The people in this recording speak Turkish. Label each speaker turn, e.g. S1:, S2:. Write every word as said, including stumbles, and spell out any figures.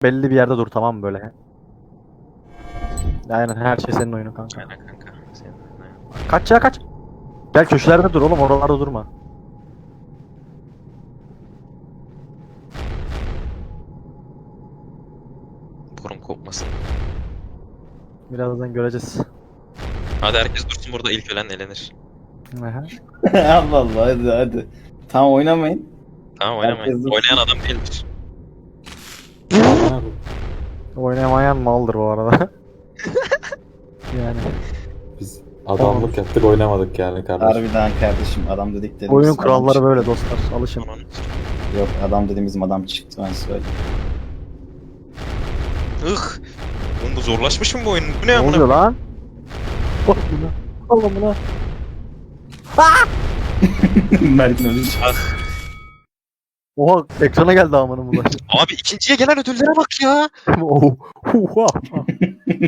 S1: Belli bir yerde dur, tamam mı böyle? Aynen, her şey senin oyunun kanka.
S2: Aynen kanka. Senin aynen.
S1: Kaç ya, kaç. Gel köşelerde dur oğlum, oralarda durma.
S2: Borum kopmasın.
S1: Birazdan göreceğiz.
S2: Hadi herkes dursun burada, ilk ölen elenir.
S1: Aha.
S3: Allah Allah, hadi hadi. Tamam, oynamayın.
S2: Tamam oynamayın.
S3: Herkes dursun.
S2: Oynayan adam değildir.
S1: Oynamayan maldır bu arada. Yani
S4: Biz adamlık yaptık, oynamadık yani kardeşim.
S3: Harbiden kardeşim, adam dedik dedim.
S1: oyunun
S3: bizim adam
S1: kuralları
S3: çıktı.
S1: böyle dostlar, alışın.
S2: Onun-
S3: Yok, adam dedim bizim adam çıktı, ben söyleyeyim.
S2: Ih. Oğlum bu zorlaşmış mı bu oyun? Bu ne
S1: Ne
S2: amına?
S1: oluyor lan? Bak buna. Allah buna.
S3: Mert'in ölü
S2: Ah.
S1: Oha, ekrana geldi amına bulaş.
S2: Abi ikinciye gelen ödüllere bak ya.
S1: Oh. Huha.